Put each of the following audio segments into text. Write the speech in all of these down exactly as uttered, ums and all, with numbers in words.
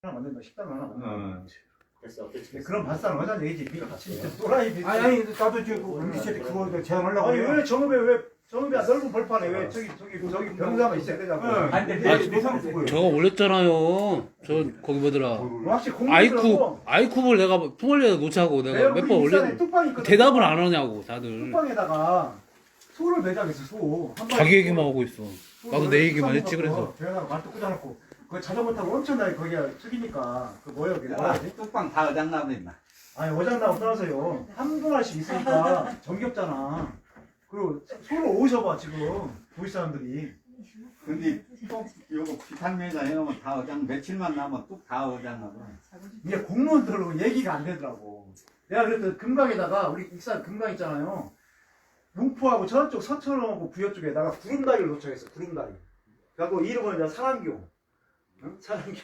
하나 만든다, 식당 하나 만든다. 어. 됐어. 어떻게 그런 발상을 하자는 얘기지. 진짜 또라이 비슷해. 아니 아니 나도 지금 우리 그거 제안하려고 아니 해요. 왜 정읍에 왜 정읍이 넓은 벌판에 왜 저기 저기 저기 병사만 있어야 되냐고. 아니 근데 아, 내 내상 쓰고요. 저거 올렸잖아요. 저 거기 뭐더라. 확실히 아이쿠 공부더라고. 아이쿠브를 내가 풍월리에 놓자고 내가 몇 번 올렸는데 뚝방이 있거든. 대답을 안 하냐고 다들. 뚝방에다가 소를 매장했어. 소. 한 자기 마리 얘기만 하고 있어. 나도 내 얘기만 했지 뚝방에 그래서. 배에다가 말뚝 꽂아놓고 그 자전거 타고 엄청나게 거기가 숙이니까 그 뭐야 그게 뭐야 지 뚝방 다 어장 나오네 임마. 아니 어장나고 떠나서요 한두 알씩 있으니까 정겹잖아. 그리고 소를 오셔봐 지금 도시 사람들이. 근데 뚝 요거 비탄면에다 해놓으면 다 어장 며칠만 나면 뚝 다 어장하고. 이게 공무원들로 얘기가 안 되더라고. 내가 그랬더니 금강에다가 우리 익산 금강 있잖아요. 농포하고 저쪽 서천하고 부여 쪽에다가 구름다리를 도착했어. 구름다리. 그래갖고 이름은 이제 사랑교. 응? 사랑교.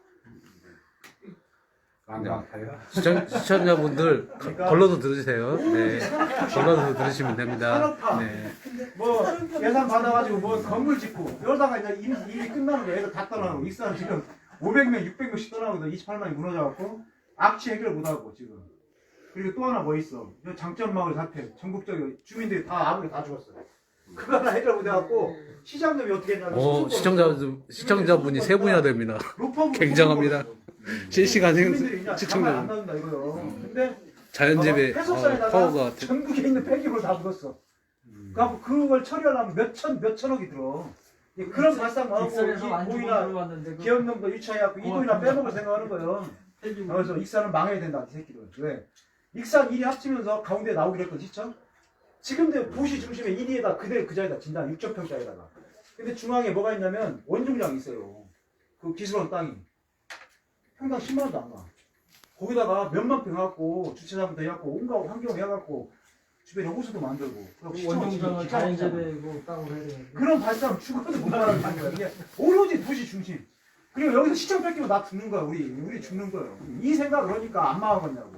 시청, 시청자분들 그러니까 걸러서 들으세요. 네. 걸러서 들으시면 됩니다. 산업화. 네. 뭐 예산 받아가지고 뭐 건물 짓고 이러다가 이제 일, 일이 끝나는 거야. 애들 다 떠나고 익산 지금 오백 명, 육백 명씩 떠나고 이십팔만이 무너져갖고 악취 해결 못하고 지금. 그리고 또 하나 뭐 있어. 장점마을 사태. 전국적으로 주민들이 다 아무리 다 죽었어요. 그거 하나 해결 못해갖고 시장님이 어떻게 했냐면 어, 시청자, 시청자분이 세 분이나 됩니다. 로펌으로 굉장합니다. 실시간 주민들이 생, 그냥 가만 안 시청자. 나온다 이거요. 근데 자연재배 어, 해석사에다가 파워가. 전국에 있는 폐기물 다 묻었어. 그래갖고 그걸 처리하려면 몇천 몇천억이 들어. 예, 그런 발상만 하고 이 모이나 기업놈도 유치해갖고 이도이나 빼먹을 생각하는 거예요. 그래서 익산은 망해야 된다 이 새끼들. 왜? 익산 일이 합치면서 가운데 나오기로 했거든 시청. 지금도 도시 중심에 일 위에다 그대로 그 자리에다 진다 육천 평짜리다가. 근데 중앙에 뭐가 있냐면 원중량이 있어요. 그 기술원 땅이. 평당 십만 원도 안 가. 거기다가 몇만 평 해갖고 주차장부터 해갖고 온갖 환경 해갖고 주변에 호수도 만들고 원정장을 자연재배고 땅을 해야 되는데 그런 발상 죽어도 못 말하는 거야. 이게 오로지 도시 중심. 그리고 여기서 시청 뺏기면 나 죽는 거야. 우리 우리 죽는 거예요. 이 생각 그러니까 안 망하겠냐고.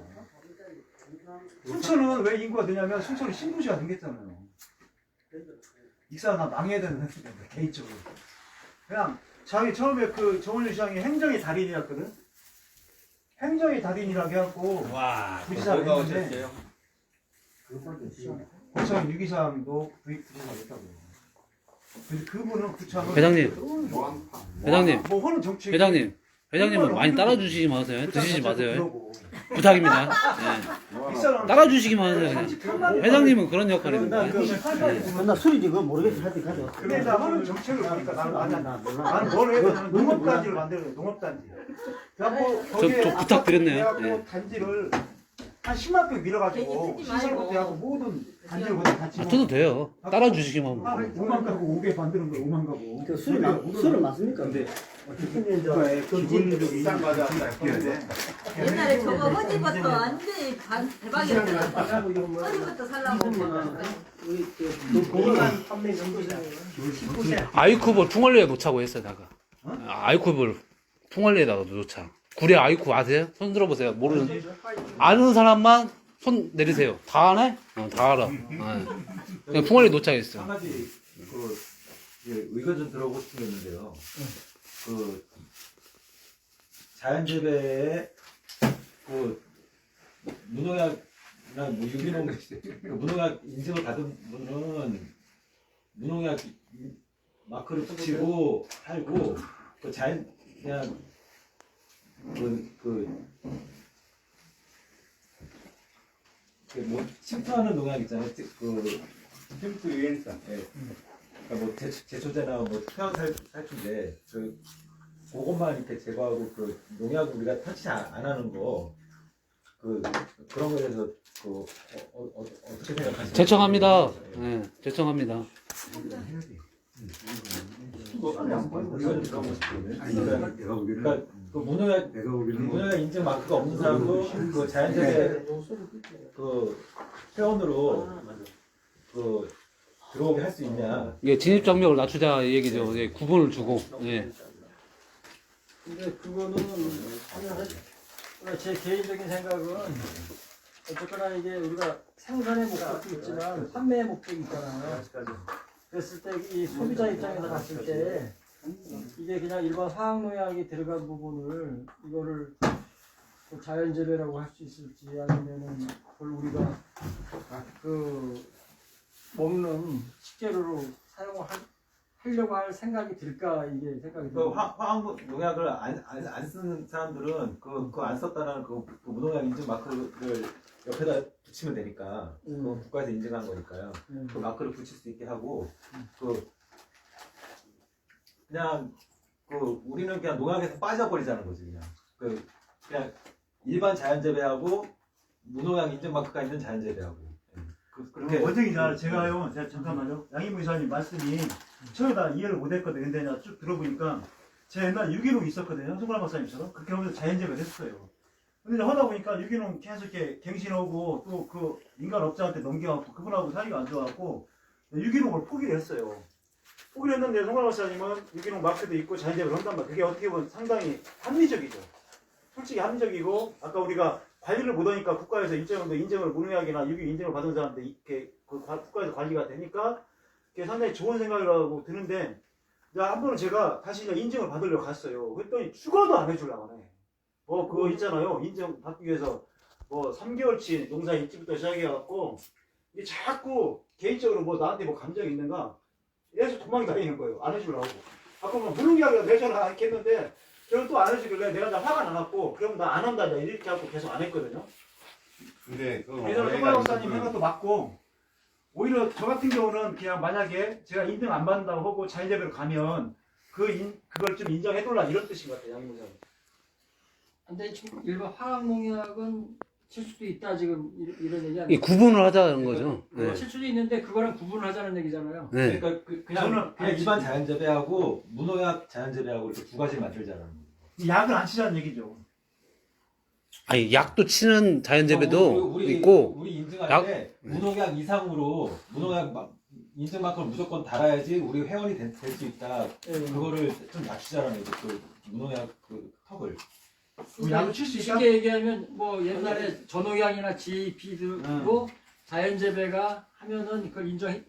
순천은 왜 인구가 되냐면 순천은 신도시가 생겼잖아요. 익산 나 망해야 되는 생각인데 개인적으로. 그냥 자기 처음에 그 정원준 시장이 행정의 달인이었거든. 행정의 달인이라고 해갖고 와. 부지사를 그거 했는데 어땠어요? 구청 유기사항도 부지사를 했다고. 근데 그분은 구청을 회장님. 회장님. 뭐 하는 정치 회장님. 회장님은 많이 따라주시지 마세요. 드시지 마세요. 부탁입니다. 네. 따라주시기만 하세요. 그냥. 회장님은 그런 역할입니다. 나 술이지 그거 모르겠어 하여튼 가져 근데 나 하는 정책을 보니까 나는 아니야. 나 몰라 나는 뭘 해야 되냐면 농업단지를 만들어야 돼. 농업단지. 그래갖고 거기에 저 부탁드렸네요. 그래갖고 네. 단지를 한 십만 평 밀어가지고 시설부터 하고 모든 단지를 거기다 같이 아, 저도 돼요. 따라주시기만 하면. 한 오만 가구 오개 만드는 거야. 오만 가구. 그 술이 나 술은 맞습니까? 근데 기본적인 비싼 과자 해야 돼. 옛날에 저거 허지부터 완전히 반- 대박이었어. 허지부터 살라고. 우리 그 고기만 판매 정도잖아 아이쿠브를 풍월리에 놓자고 했어요, 내가. 아이쿠브를 풍월리에다가 놓자. 구례 아이쿠 아세요? 손 들어보세요. 모르는, 아는 사람만 손 내리세요. 다 아네? 어, 다 알아. 네. 그냥 풍월리에 놓자 했어. 한 가지 그 이제 의견 좀 들어보고 싶은 게 있는데요. 그 자연재배에 그 무농약이나 뭐 유기농 그 무농약 인증을 받은 분은 무농약 마크를 붙이고 팔고 그 자연 그냥 그, 그, 그 뭐, 침투하는 농약 있잖아요. 그, 침투 유엔산. 예. 그러니까 뭐, 제, 제초제나 뭐, 태양 살, 살충제, 그, 그것만 이렇게 제거하고, 그, 농약 우리가 터치 안, 안 하는 거, 그, 그런 거에 대해서, 그, 어, 어, 어, 어떻게 생각하세요? 제청합니다. 네, 제청합니다. 의견 들어보고 싶거든요. 그러니까, 그 무농약, 무농약 인증 마크가 없는 사람도 그 자연재배 그 회원으로 그 들어오게 할 수 있냐? 이게 진입장벽을 낮추자 이 얘기죠. 예, 구분을 주고. 예. 근데 그거는 그냥 제 개인적인 생각은 어쨌거나 이게 우리가 생산의 목적도 있지만 판매의 목적이 있잖아요. 그랬을 때 이 소비자 입장에서 봤을 때 이게 그냥 일반 화학농약이 들어간 부분을 이거를 그 자연재배라고 할 수 있을지 아니면은 그걸 우리가 그 먹는 식재료로 사용을 할, 하려고 할 생각이 들까 이게 생각이 그 들어요. 화, 화학 농약을 안, 안, 안 쓰는 사람들은 그, 그거 안 썼다는 그, 그 무농약 인증 마크를 옆에다 붙이면 되니까 음. 그건 국가에서 인증한 거니까요. 음. 그 마크를 붙일 수 있게 하고 그 그냥 그 우리는 그냥 농약에서 빠져버리자는 거지 그냥 그 그냥 일반 자연재배하고 무농약 인증 마크가 있는 자연재배하고 그, 그렇게 원장이자 제가요, 제가 잠깐만요. 양희모 이사님 말씀이 처음에다 이해를 못했거든요. 근데 내가 쭉 들어보니까 제가 옛날에 유기농 있었거든요. 송구라 박사님처럼 그렇게 하면서 자연재배를 했어요. 근데 이제 하다 보니까 유기농 계속 이렇게 갱신하고 또 그 인간 업자한테 넘겨갖고 그분하고 사이가 안 좋아갖고 유기농을 포기를 했어요. 포기를 했는데 송구라 박사님은 유기농 마크도 있고 자연재배를 한단 말이에요. 그게 어떻게 보면 상당히 합리적이죠. 솔직히 합리적이고 아까 우리가 관리를 못하니까 국가에서 인정도 인정을 무농약이나 유기 인증을 받은 사람한테 이렇게 그 국가에서 관리가 되니까 그게 상당히 좋은 생각이라고 드는데 한 번은 제가 다시 이제 인증을 받으려고 갔어요. 그랬더니 죽어도 안 해주려고 하네. 뭐 그거 있잖아요. 인증 받기 위해서 뭐 삼 개월치 농사 일찍부터 시작해갖고 이게 자꾸 개인적으로 뭐 나한테 뭐 감정이 있는가 계속 도망이 다니는 거예요. 안 해주려고. 아까 뭐 무농약이라 내줘라 이렇게 했는데 저는 또 안 해주길래 내가 다 화가 나갖고 그럼 나 안 한다 이렇게 하고 계속 안 했거든요. 근데 그 그래서 송가 박사님 생각도 맞고 오히려 저 같은 경우는 그냥 만약에 제가 인증 안 받는다고 하고 자연재배로 가면 그 인, 그걸 좀 인정해둘라 이런 뜻인 것 같아요. 양무장. 근데 지금 일반 화학농약은 칠 수도 있다 지금 이- 이런 얘기 이 아니에요? 구분을 하자는 거죠. 네. 칠 수도 있는데 그거랑 구분을 하자는 얘기잖아요. 네. 그러니까 그, 그냥, 저는 그냥 아니, 일반 자연재배하고 무농약 자연재배하고 이렇게 두 가지 만들자는 거예요. 약을 안 치자는 얘기죠. 아니 약도 치는 자연재배도 어, 우리, 우리, 있고 우리 인증할 약- 때 무농약 이상으로 무농약 마- 인증 마크를 무조건 달아야지 우리 회원이 될 수 있다. 예. 그거를 좀 낮추자라는 거죠. 그 무농약 그 턱을. 그 약을 칠 수 있다? 쉽게 얘기하면 뭐 옛날에 전농약이나 지이피도 자연재배가 하면은 그걸 인정해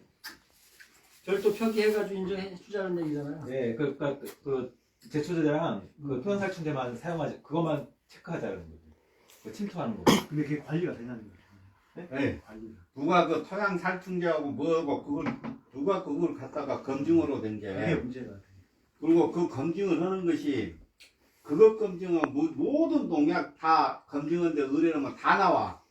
별도 표기해가지고 인정해 주자는 얘기잖아요. 네, 그, 그, 그, 그 제초제랑 그 토양살충제만 사용하지, 그것만 체크하자는 거죠. 그 침투하는 거. 근데 그게 관리가 되냐는 거죠. 네. 관리가. 누가 그 토양 살충제하고 뭐하고 그걸 누가 그걸 갖다가 검증으로 된 그게 게 문제가. 그리고 그 검증을 하는 것이 그것 검증은 모- 모든 농약 다 검증하는데 의뢰하면 다 나와.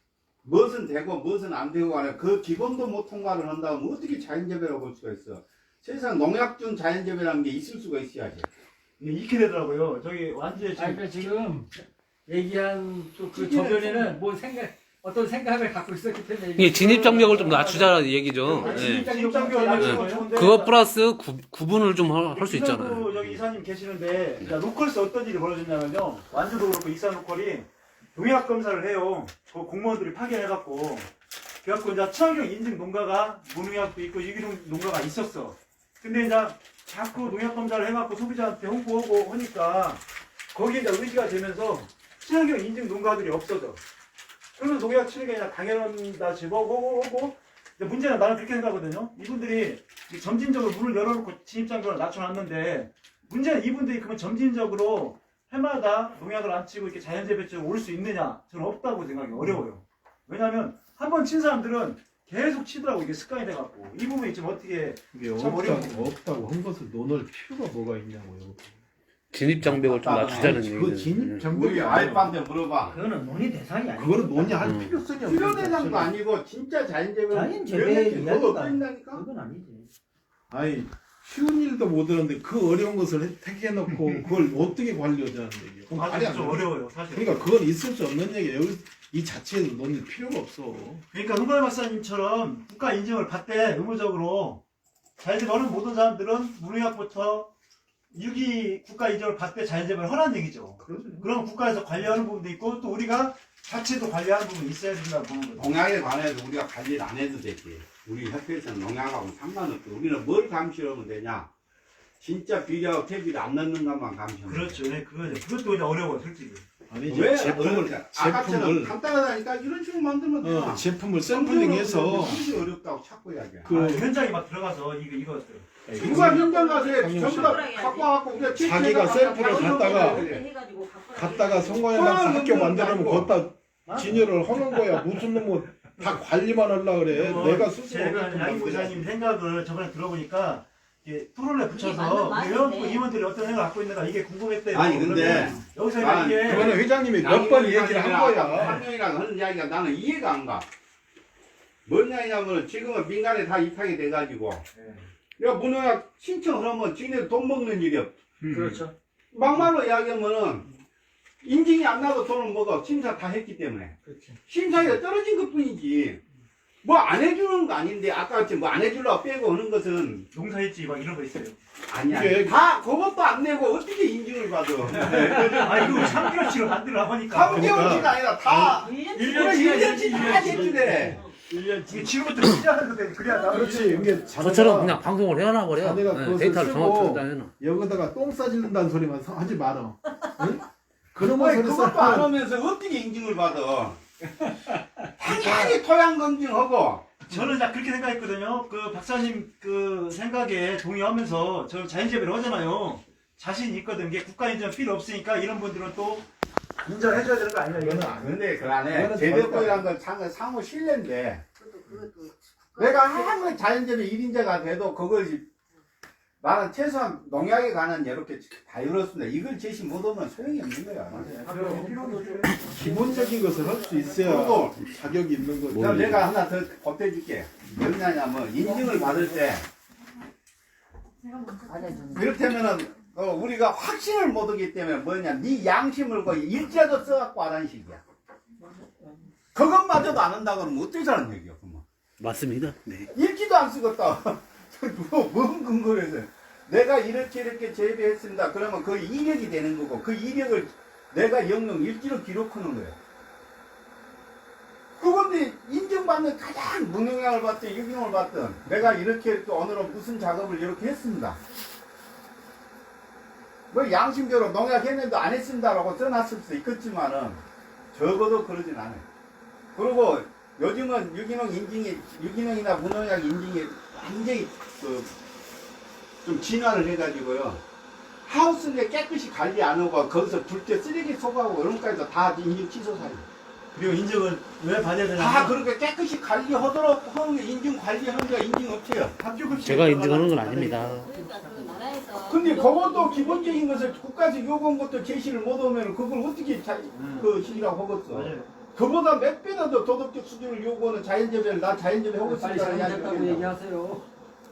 무엇은 되고 무엇은 안 되고 하는 그 기본도 못 통과를 한다면 어떻게 자연재배라고 볼 수가 있어. 세상 농약중 자연재배라는 게 있을 수가 있어야지. 이게 익게 되더라고요. 저기 완전히 아니 지금 그러니까 지금 얘기한 또 그 저변에는 뭐 생각 어떤 생각을 갖고 있었기 때문에 이게 진입 장벽을 좀 낮추자는 얘기죠. 아니, 네. 진입장벽을 낮추는 건 좋은데 그것 플러스 구, 구분을 좀 할 수 있잖아요. 이산구 여기 이사님 계시는데 자, 로컬에서 어떤 일이 벌어졌냐면요. 완주도 그렇고 이산 로컬이 농약 검사를 해요. 그 공무원들이 파견해갖고 그래갖고 이제 친환경 인증 농가가 무농약도 있고 유기농 농가가 있었어. 근데 이제 자꾸 농약 검사를 해갖고 소비자한테 홍보하고 하니까 거기에 이제 의지가 되면서 친환경 인증 농가들이 없어져. 그러면 농약 치는 게 아니라 당연하다 집어오고 오고 문제는 나는 그렇게 생각하거든요. 이분들이 점진적으로 문을 열어놓고 진입장벽을 낮춰놨는데 문제는 이분들이 그러면 점진적으로 해마다 농약을 안 치고 이렇게 자연재배 쪽으로 올 수 있느냐? 저는 없다고 생각이 어려워요. 왜냐하면 한 번 친 사람들은 계속 치더라고. 이게 습관이 돼갖고 이 부분이 지금 어떻게 이게 참 없다고, 어려운 없다고 한 것을 논할 필요가 뭐가 있냐고요. 진입 장벽을 좀 낮추자는 그 얘기죠. 진입 우리 장벽이 아이빠한테 물어봐. 그거는 논의 대상이 아니고 그거를 논의할 음. 필요성이 없는 필요대상도 아니고 진짜 자연재배는 자연재배 이야기가 없다니까. 그건 아니지. 아니 쉬운 일도 못 하는데 그 어려운 것을 해- 택해놓고 그걸 어떻게 관리하자는 얘기예요. 그건 말이 아직 안 좀 돼요. 어려워요. 사실. 그러니까 그건 있을 수 없는 얘기예요. 여기 이 자체에서 논의 필요가 없어. 그러니까 흥발 박사님처럼 국가 인증을 받되 의무적으로 자연재배 하는 모든 사람들은 무농약부터 유기 국가 인증을 받되 자연재배를 하라는 얘기죠. 그럼 국가에서 관리하는 부분도 있고 또 우리가 자체도 관리하는 부분이 있어야 된다고 보는 거죠. 농약에 관해서 우리가 관리를 안 해도 되지. 우리 협회에서는 농약하고 상관없고 우리는 뭘 감시하면 되냐. 진짜 비료하고 퇴비를 안 넣는 것만 감시하면 돼. 그렇죠. 네, 그거죠. 그것도 그냥 어려워요, 솔직히. 아니지 왜 제품을 어렵냐? 아까처럼 제품을 간단하다니까 이런 식으로 만들면 돼. 어, 제품을 샘플링해서 그것이 어렵다고 자꾸 이야기야. 그 아, 현장에 막 들어가서 이거 이거 누가 현장 가서 강용 전부 씨. 다 갖고 와갖고 우리가 자기가 샘플을 갖다가 해가지고 갖다가 송과에다가 학교 만들려면 거기다 진열을 하는 거야. 무슨 놈은 다 관리만 하려 그래. 어, 내가 스스로 제가 하게끔 양희 만들어야지. 부사님 생각을 저번에 들어보니까 이게 프로를 맞는 붙여서 말이네. 회원 임원들이 어떤 생각을 갖고 있는가 이게 궁금했대요. 아니, 근데 그러면 여기서 난 이게 그거는 회장님이 몇 번 얘기를 한 거야. 환경이랑 하는 이야기가 나는 이해가 안 가. 뭔 이야기냐면 지금은 민간에 다 입학이 돼가지고 야 문화학 신청하면 지네들 돈 먹는 일이야. 그렇죠. 막말로 이야기하면은 인증이 안 나도 돈을 먹어. 심사 다 했기 때문에. 그렇죠. 심사가 떨어진 것 뿐이지. 뭐 안 해주는 거 아닌데 아까 같이 뭐 안 해주려고 빼고 하는 것은 농사일지 막 이런 거 있어요. 아니야. 이게- 다 그것도 안 내고 어떻게 인증을 받아. 아 이거 삼 개월치로 만들어 하니까. 삼 개월치가 아니라 다 일 일 년치 년치 다 제출해. 이게 지금부터 시작하거든. 그래야 나 그렇지. 이게 저처럼 그냥 방송을 해놔 버려. 자네가 네, 그것을 데이터를 쓰고 정확히 해놔. 여기다가 똥 싸질른다는 소리만 서- 하지 마라. 응? 그런 아니, 소리 그것도 안 싸면 하면서 어떻게 인증을 받아. 당연히 토양 검증하고 저는 딱 그렇게 생각했거든요. 그 박사님 그 생각에 동의하면서 저 자연재배를 하잖아요. 자신 있거든. 이게 국가 인정 필요 없으니까 이런 분들은 또 인정해줘야 되는 거 아니냐 이거는 이거는. 안 근데 그 안에 그거는 제도권이라는 건 상, 상호 신뢰인데 내가 아무리 자연재배 일 인자가 돼도 그걸 나는 최소한 농약에 관한 이렇게 다 이뤘습니다. 이걸 제시 못하면 소용이 없는 거야. 기본적인 것을 할 수 있어야 그리고 자격이 있는 거지. 그럼 내가 하나 더 보태줄게. 뭐냐면 인증을 받을 때 이렇다면은 어, 우리가 확신을 못 하기 때문에 뭐냐 네 양심을 거 일자도 써갖고 하라는 식이야. 그것마저도 안 한다 그러면 어쩌자는 얘기야. 그러면. 맞습니다. 네. 읽지도 안 쓰겠다. 뭐, 뭔 근거로 해서. 내가 이렇게 이렇게 재배했습니다. 그러면 그 이력이 되는 거고, 그 이력을 내가 영영 일지로 기록하는 거예요. 그건데, 인정받는 가장 무농약을 받든 유기농을 받든, 내가 이렇게 이렇게 오늘은 무슨 작업을 이렇게 했습니다. 뭐 양심대로 농약 했는데 안 했습니다라고 써놨을 수 있겠지만은, 적어도 그러진 않아요. 그리고 요즘은 유기농 인증이, 유기농이나 무농약 인증이 완전히 그, 좀 진화를 해가지고요. 하우스인데 깨끗이 관리 안 하고 거기서 둘 때 쓰레기 소각하고 그런 것까지도 다 인증 취소 사유. 그리고 인증은 왜 받아야 되냐? 다 그렇게 깨끗이 관리하도록 하는 게 인증 관리하는 게 인증업체요. 제가 인증하는 건 아닙니다. 그러니까 그 나라에서 근데 그것도 기본적인 것을 국가에서 요구한 것도 제시를 못하면 그걸 어떻게 자, 그 시기라고 하겠어. 맞아요. 그보다 몇 배나 더 도덕적 수준을 요구하는 자연재배를 나 자연재배 하고 빨리 있습니다. 잘못했다고 얘기하세요.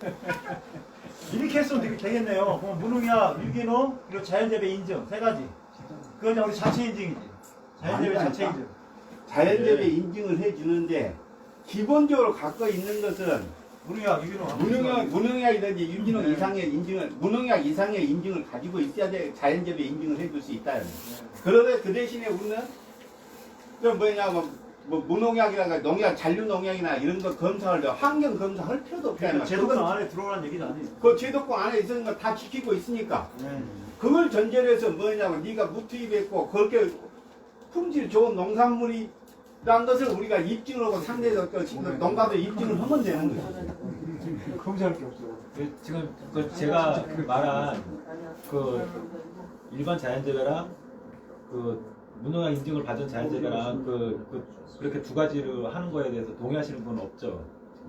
이렇게 했으면 되게 되겠네요. 그럼 무농약, 유기농, 그리고 자연재배 인증 세 가지. 그건 그냥 우리 자체 인증이지. 자연재배 아니다, 자체 아니다. 인증. 자연재배 인증을 해주는데 기본적으로 갖고 있는 것은 무농약, 유기농. 무농약, 무농약이든지 유기농 이상의 인증을, 무농약 이상의 인증을 가지고 있어야 돼. 자연재배 인증을 해줄 수 있다. 그런데 그 대신에 우리는 좀 뭐냐, 뭐, 뭐 무농약이나 농약, 잔류 농약이나 이런 거 검사를 환경 검사할 필요도 없다. 그러니까 제도권 그건 안에 들어오라는 얘기는 아니에요. 그 제도권 안에 있는 거 다 지키고 있으니까. 네. 그걸 전제로 해서 뭐냐면 네가 무투입했고 그렇게 품질 좋은 농산물이라는 것을 우리가 입증을 하고 상대적 농가도 입증을 하면 되는 거지. 검사할 게 없어. 그 지금 그 제가 그 말한 그 일반 자연재배랑 그 무농약 인증을 받은 자연재배랑 그, 그 그렇게 두 가지를 하는 거에 대해서 동의하시는 분은 없죠?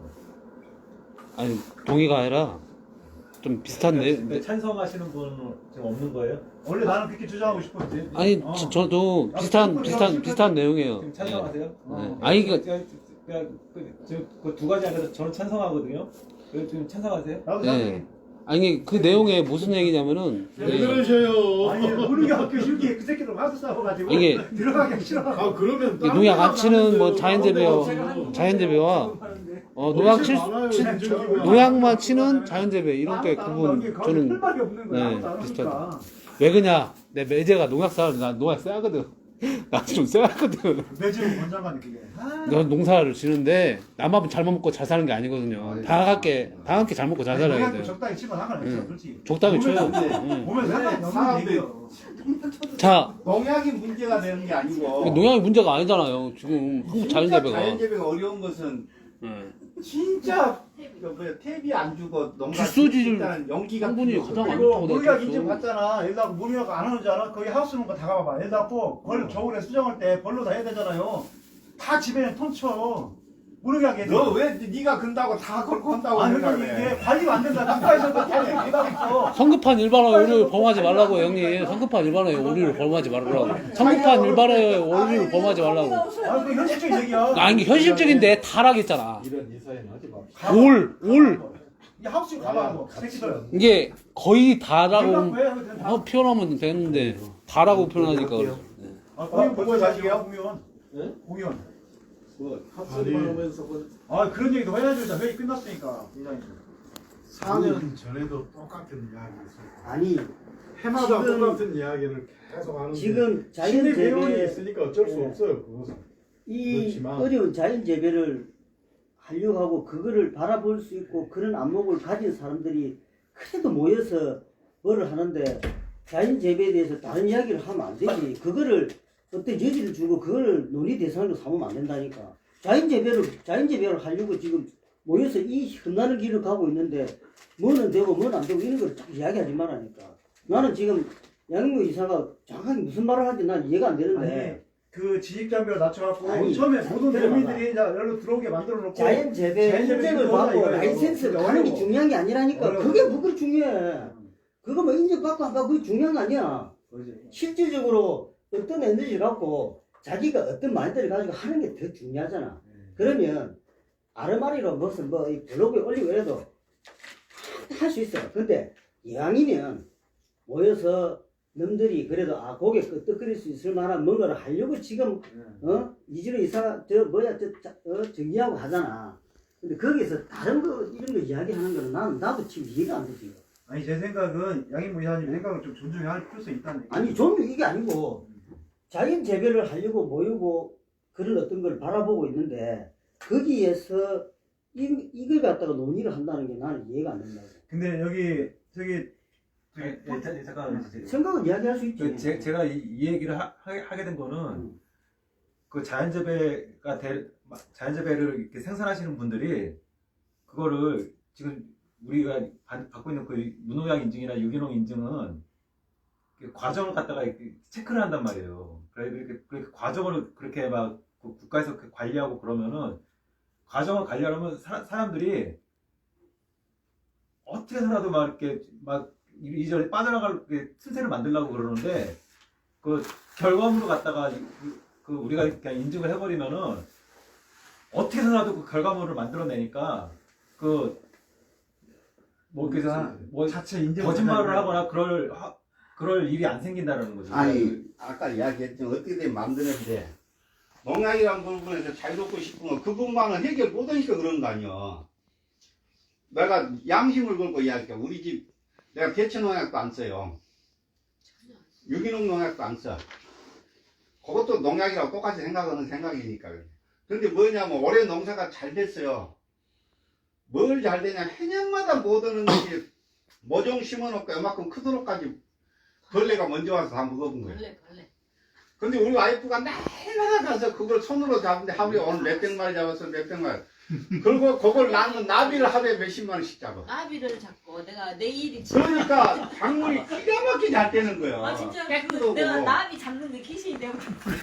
아니 동의가 아니라 좀 비슷한 내. 근데 찬성하시는 분은 지금 없는 거예요? 원래 나는 그렇게 주장하고 싶었지. 아니 어. 저, 저도 비슷한 비슷한 비슷한 내용이에요. 지금 찬성하세요? 네. 아니 그 그두 가지 안에서 저는 찬성하거든요. 그 지금 찬성하세요? 나도 네. 아니 그 내용에 무슨 얘기냐면은 왜 네. 그러셔요? 아니 우리 학교 실기에 그 새끼들 와서 싸워가지고 이게 들어가기 싫어. 아 그러면 이 농약 안 치는 뭐 자연재배와 제가 자연재배와 어 농약 칠 치- 농약만 치는 자연재배 이런 게 구분 저는 할 말이 없는 거야. 네, 아무도 안 비슷하다. 하니까. 왜 그냐 내 매제가 농약 사는 나 농약 싸거든. 나 좀 쎄하거든. 내 집은 원장관이 그게. 아, 너 농사를 지는데 나만 잘 먹고 잘 사는 게 아니거든요. 다 함께 다 함께 잘 먹고 잘 살아야 농약도 돼. 적당히 치면 상관없어, 응. 솔직히. 적당히 보면 쳐요. 안 돼. 응. 보면 상관이 없는 사람들이- 얘기예요. 자, 농약이 문제가 되는 게 아니고 농약이 문제가 아니잖아요. 지금 한국 진짜 자연재배가. 자연재배가 어려운 것은 응. 진짜 그 뭐야 탭이 안 주고 농가 주소지를 일단 연기가 성분이 필요 가장 없고. 안 그리고 좋다고 물약 내가 인증 그랬어. 받잖아. 여기다 물약 안 하는 줄 알아? 거기 하우스 농가 다 가봐봐. 여기다 꼭벌 겨울에 수정할 때 벌로 다 해야 되잖아요. 다 집에는 통쳐. 물약 얘들. 너왜 네가 근다고 다 걸고 한다고 아니 그러니까 생각해. 이게 관리가 안 된다. 국가에서도 다 얘기하고 있어. 성급한 일반화의 오류를 범하지 말라고 형님. 성급한 일반화의 오류를 범하지 말라고. 성급한 일반화의 오류를 범하지 말라고. 아니 그 현실적인 얘기야. 아니 이게 현실적인데 타락했잖아. 이런 이사회는 하지 마. 올, 올. 이 하우스 가봐 뭐 새끼들. 이게 거의 다라고 연락 왜 하면 된다. 어, 표현하면 되는데 다라고 표현하니까 그러죠. 아, 공연 벌써 보고 자식이야? 자식이야 공연. 네? 공연. 그 합소리만 하면서 그 아 그런 얘기도 해야죠. 회의 끝났으니까 이장님. 사 년 전에도 똑같은 이야기 있어요. 아니 해마다 지금- 똑같은 이야기를 계속 하는데 지금 자연 신의 배운이 재배 있으니까 어쩔 수 네. 없어요. 그것은. 이 그렇지만- 어려운 자연 재배를 하려고 하고 그거를 바라볼 수 있고 그런 안목을 가진 사람들이 그래도 모여서 뭐를 하는데 자연 재배에 대해서 다른 이야기를 하면 안 되지. 그거를 어떤 여지를 주고 그걸 논의 대상으로 삼으면 안 된다니까. 자연 재배를 자연 재배를 하려고 지금 모여서 이 험난한 길을 가고 있는데 뭐는 되고 뭐는 안 되고 이런 걸 딱 이야기하지 말라니까. 나는 지금 양무 이사가 정확하게 무슨 말을 하는지 난 이해가 안 되는데. 그 지식장벽을 낮춰갖고 아니, 처음에 모든 들어봐봐. 국민들이 이제 여기로 들어오게 만들어 놓고 자연 재배 자연 재배 인증을 들어오자 받고 이거예요. 라이센스 근데 가는 게 어려워. 중요한 게 아니라니까. 어려워. 그게 뭐가 중요해. 그거 뭐 인증받고 안 받고 그게 중요한 거 아니야. 실질적으로 어떤 에너지를 갖고 자기가 어떤 마인드를 가지고 하는 게 더 중요하잖아. 그러면 아르마리로 무슨 뭐 이 블로그에 올리고 이래도 할 수 있어. 근데 이왕이면 모여서 놈들이 그래도 아 고개 끄덕거릴 수 있을 만한 뭔가를 하려고 지금 어 이진호 이사가 저 뭐야 저 자, 어, 정리하고 하잖아. 근데 거기서 다른 거 이런 거 이야기하는 거는 난 나도 지금 이해가 안 되지. 아니 제 생각은 양인무 이사님 생각을 좀 존중해야 할 필요성이 있다는 얘기. 아니 좀 이게 아니고 자연 재배를 하려고 모이고 그런 어떤 걸 바라보고 있는데 거기에서 이, 이걸 갖다가 논의를 한다는 게 나는 이해가 안 된다고. 근데 여기 저기 저기 예, 자- 잠깐만 주세요. 생각은 이야기할 수 있지. 그 제, 제가 이, 이 얘기를 하, 하- 하게 된 거는 음. 그 자연재배가 될 자연재배를 이렇게 생산하시는 분들이 그거를 지금 우리가 받, 받고 있는 그 무농약 인증이나 유기농 인증은 그 과정을 갖다가 이렇게 체크를 한단 말이에요. 그래 그렇게, 그렇게 과정을 그렇게 막 그 국가에서 그 관리하고 그러면은 과정을 관리하려면 사, 사람들이 어떻게 해서라도 막 이렇게 막 이전에 빠져나갈 그 틈새를 만들려고 그러는데 그 결과물로 갖다가 그 우리가 그냥 인증을 해버리면은 어떻게 해서라도 그 결과물을 만들어내니까 그 뭐 그래서 뭐 자체 인증 거짓말을 하거나 그럴 하, 그럴 일이 안 생긴다는 거죠. 아니 아까 이야기했지만 어떻게 되면 만드는데 농약이란 부분에서 자유롭고 싶은 건 그 부분만은 해결 못하니까 그런 거 아니야. 내가 양심을 걸고 이야기해. 우리 집 내가 대체 농약도 안 써요. 유기농 농약도 안 써. 그것도 농약이라고 똑같이 생각하는 생각이니까. 근데 뭐냐면 올해 농사가 잘 됐어요. 뭘 잘 되냐. 해년마다 못 오는 것이 모종 심어놓고 이만큼 크도록까지 벌레가 먼저 와서 다 먹어본 거예요. 벌레 벌레. 근데 우리 와이프가 날마다 가서 그걸 손으로 잡는데 하루에 오늘 몇백 마리 잡았어, 몇백 마리. 그리고 그걸 낳는 나비를 하루에 몇십만 원씩 잡아. 나비를 잡고 내가 내일이 그러니까 작물이 기가 막히게 잘 되는 거야. 아 진짜 그 깨끗하고. 내가 나비 잡는 데 귀신이 되고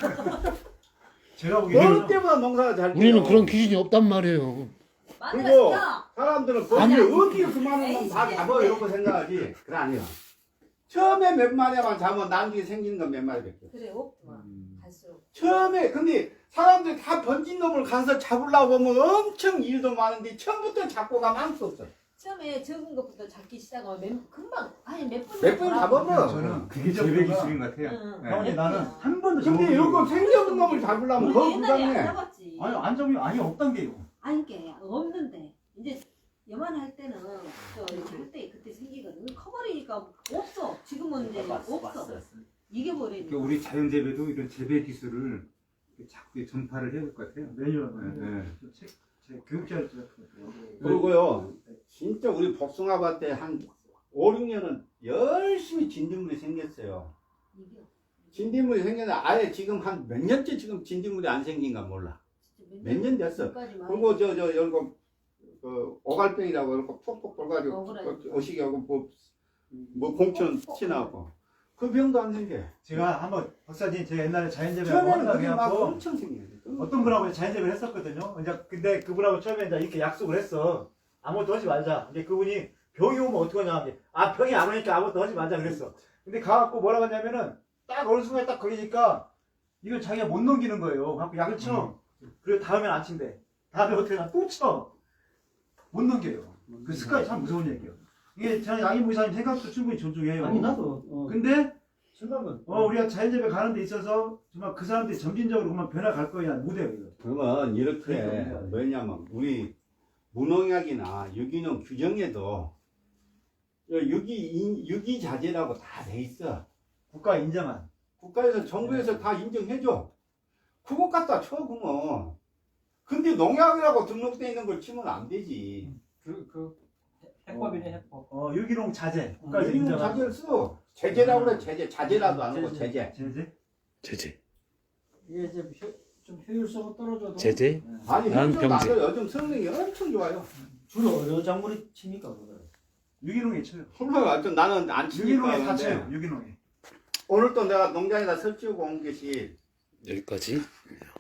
제가 어느 보기에는 때보다 농사가 잘 돼요. 우리는 그런 기준이 없단 말이에요. 맞아 그리고 진짜. 사람들은 거기 아니, 어떻게 그만한 건 다 에이, 잡아 이러고 생각하지. 그래 아니야. 처음에 몇 마리만 잡으면 나중에 생기는 건 몇 마리밖에. 그래 없구만. 갈수록. 처음에 근데 사람들이 다 번진 놈을 가서 잡으려고 보면 엄청 일도 많은데 처음부터 잡고 가면 아무것도 없어. 처음에 적은 것부터 잡기 시작하면 몇, 금방 아니 몇분 몇 번 잡으면 저는 그게 제일 기술인 것 같아요. 응. 네. 형님 나는 한 번도 근데 적어본 이거 적이 생겨본 놈을 잡으려면 더 우리 옛날에 안 불가능해. 잡았지. 없어요. 아니 안 적이 아니 없단 게요. 아니 게 없는데 이제 여만할 때는 저 잡을 때 그때 생기거든. 커버리니까 없어. 지금은 이제 없어. 이겨버리는. 그러니까 우리 자연재배도 이런 재배 기술을 자꾸 전파를 해야 될 것 같아요. 매년 네. 책, 책 교육자를 같은 거. 그리고요, 진짜 우리 복숭아밭 때 한 오, 육 년은 열심히 진딧물이 생겼어요. 이겨. 진딧물이 생겼는데 아예 지금 한 몇 년째 지금 진딧물이 안 생긴가 몰라. 몇 년 됐어. 그리고 저, 저, 여기 그 오갈병이라고 이렇게 푹푹 돌가지고 억울하지. 어시기하고 뭐, 뭐 공천 치나고 그 병도 안 생겨. 제가 한번 박사님 제가 옛날에 자연재배 처음에는 한다고 그게 막 해갖고 엄청 생겨요. 어떤 분하고 자연재배를 했었거든요. 이제 근데 그분하고 처음에 이제 이렇게 약속을 했어. 아무것도 하지 말자. 이제 그분이 병이 오면 어떡하냐. 이제 아 병이 안 오니까 아무것도 하지 말자 그랬어. 근데 가갖고 뭐라고 했냐면은 딱 어느 순간에 딱 걸리니까 이걸 자기가 못 넘기는 거예요. 갖고 약을 쳐. 그리고 다음엔 안 친대. 다음에 어떻게 하나 또 쳐. 못 넘겨요. 그 습관이 참 무서운 얘기예요. 이게 저는 양희모 이사님 생각도 충분히 존중해요. 아니 나도 어, 근데 생각은 어 우리가 자연재배 가는 데 있어서 정말 그 사람들이 점진적으로 그만 변화갈 거야 못해요 이거. 그러면 이렇게 그러니까. 뭐냐면 우리 무농약이나 유기농 규정에도 유기 유기 자재라고 다 돼 있어. 국가 인정한. 국가에서 정부에서 다 인정해줘. 그것 갖다 쳐 그러면. 근데 농약이라고 등록돼 있는 걸 치면 안 되지. 그, 그 해법이네 해법. 어 유기농 자재 국가에서 유기농 인정한. 자재를 써. 제재라고 그래 제재. 자재라도 안 하고 제재. 제재? 제재. 이게 이제 효, 좀 효율성은 떨어져도 제재? 아니 나는 현실도 안 병제. 해요. 요즘 성능이 엄청 좋아요. 주로 어느 작물이 칩니까 그거를? 유기농에 쳐요. 정말 좀 나는 안 치니까 유기농에 다 그런데 쳐요. 유기농에. 오늘 또 내가 농장에다 설치우고 온 것이 여기까지.